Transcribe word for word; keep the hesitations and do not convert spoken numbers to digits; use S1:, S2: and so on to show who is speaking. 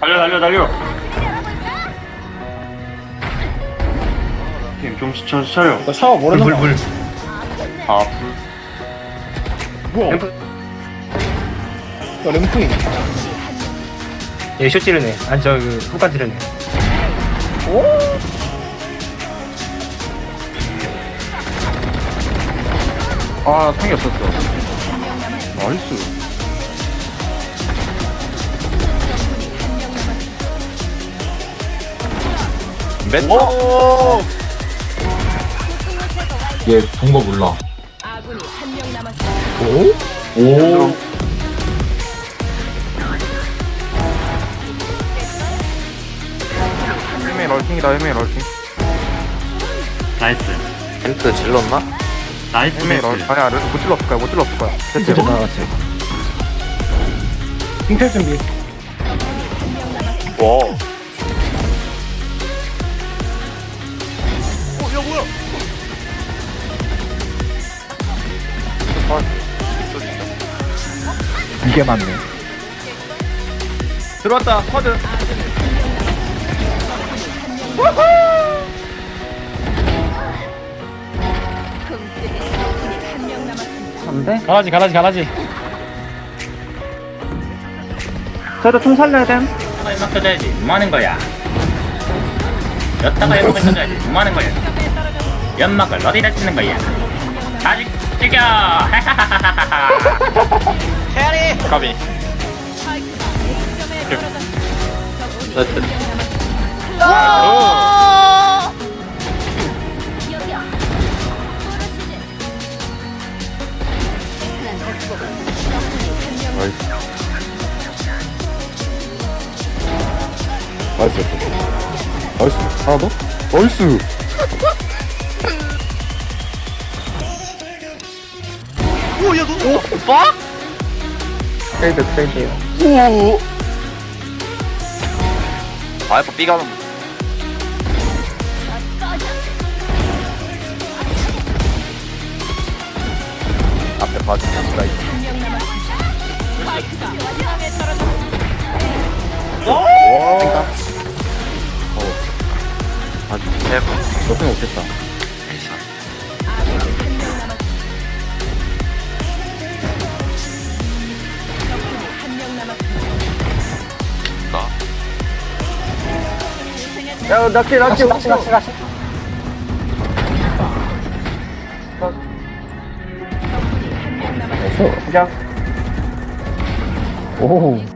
S1: 달려 달려 달려. 팀 정신 차- 차려.
S2: 이거 샤워 모르는
S3: 물,
S2: 거
S3: 물.
S1: 아
S2: 뭐야?
S3: 램프.
S2: 이거 램프이네.
S3: 얘 쇼 찌르네. 아니, 저, 그, 후반 찌르네.
S2: 오?
S4: 아, 탕이 없었어. 나이스.
S1: 오!
S5: 얘 동거 몰라.
S6: 아군이 한 명 남았습니다.
S5: 오? 오.
S4: 헬멧 럴킹이다, 헬멧 럴킹.
S1: 나이스.
S7: 힌트 질렀나?
S1: 나이스
S4: 헬멧 럴,
S1: 매치.
S4: 아니야, 못 질렀을 거야, 못 질렀을 거야.
S2: 진짜
S4: 됐어요.
S2: 나갔지. 빙탈 준비.
S7: 와.
S2: 이게 맞네.
S3: 들어왔다, 쿼드.
S6: 금뜨기 적군이 한 명 남았습니다.
S2: 안돼? 가라지 가라지 가라지.
S8: 저도 총 살려야 됨.
S9: 연막 터져야지. 뭐 하는 거야? 여tta가 연막을 터져야지. 뭐 하는 거야? 연막을 어디다 치는 거야? 아직 죽여!
S7: 헤아리! 까비.
S6: 스파이크가 A점에 떨어졌습니다.
S7: 나이스.
S6: 여기요.
S4: 나이스. 나이스. 하나 더? 나이스.
S2: 트레이드 트레이드.
S7: 아, 이거 B 가는 앞에 봐주면 스트라이크.
S6: 한명 남았습니다. 스파이크가 A점에 떨어졌습니다.
S4: 와.
S7: 아주 대박.
S4: 너생 없겠다.
S6: 아군이 한 명 남았습니다. 적군이 한 명 남았습니다.
S8: 야, 낚시, 낚시, 낚시, 낚시, 낚시.
S6: 적군이 한 명 남았습니다.
S2: 그냥. 오.